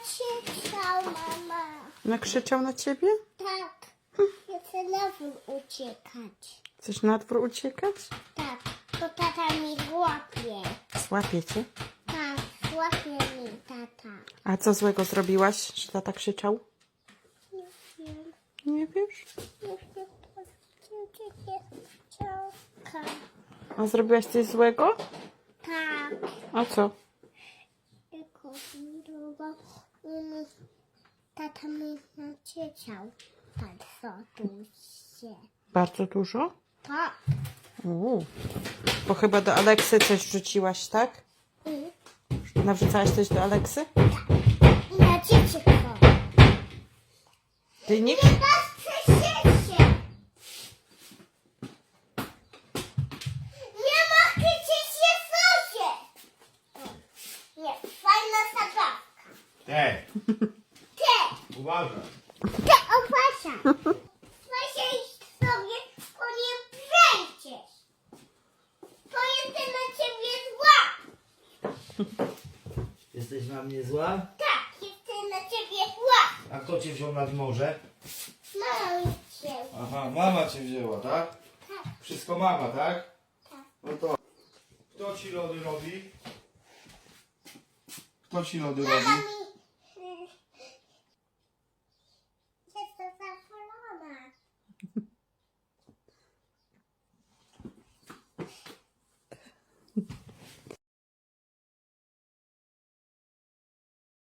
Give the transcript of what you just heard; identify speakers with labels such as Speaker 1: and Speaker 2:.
Speaker 1: nakrzyczał, mama.
Speaker 2: Nakrzyczał na ciebie?
Speaker 1: Tak. Ja chcę na dwór uciekać.
Speaker 2: Chcesz na dwór uciekać?
Speaker 1: Tak, to tata mi złapie.
Speaker 2: Złapie cię.
Speaker 1: Tak, złapie mi tata.
Speaker 2: A co złego zrobiłaś, że tata krzyczał?
Speaker 1: Nie wiem.
Speaker 2: Nie wiesz?
Speaker 1: Jeszcze chciałka.
Speaker 2: A zrobiłaś coś złego?
Speaker 1: Tak.
Speaker 2: A co?
Speaker 1: Tylko zbudował. Tata mi nakrzyczał. Tak, co tu się.
Speaker 2: Bardzo dużo?
Speaker 1: Tak.
Speaker 2: Bo chyba do Aleksy coś wrzuciłaś, tak? Nawrzucałaś coś do Aleksy?
Speaker 1: I nakrzyczał.
Speaker 2: Ty nie...
Speaker 1: Nie masz przesiedzie. Nie ma krzyczeć się sosie. Nie, fajna zabawka.
Speaker 3: Te,
Speaker 1: Ty,
Speaker 3: uważaj.
Speaker 1: ty opasia. Weź sobie, bo nie przejdziesz. To jestem na ciebie zła.
Speaker 3: Jesteś na mnie zła?
Speaker 1: Tak, jestem na ciebie zła.
Speaker 3: A kto cię wziął nad morze?
Speaker 1: Mama mi cię.
Speaker 3: Aha, mama cię wzięła, tak?
Speaker 1: Tak.
Speaker 3: Wszystko mama, tak?
Speaker 1: Tak.
Speaker 3: No to... Kto ci lody robi? Kto ci lody
Speaker 1: Mama
Speaker 3: robi?
Speaker 1: mi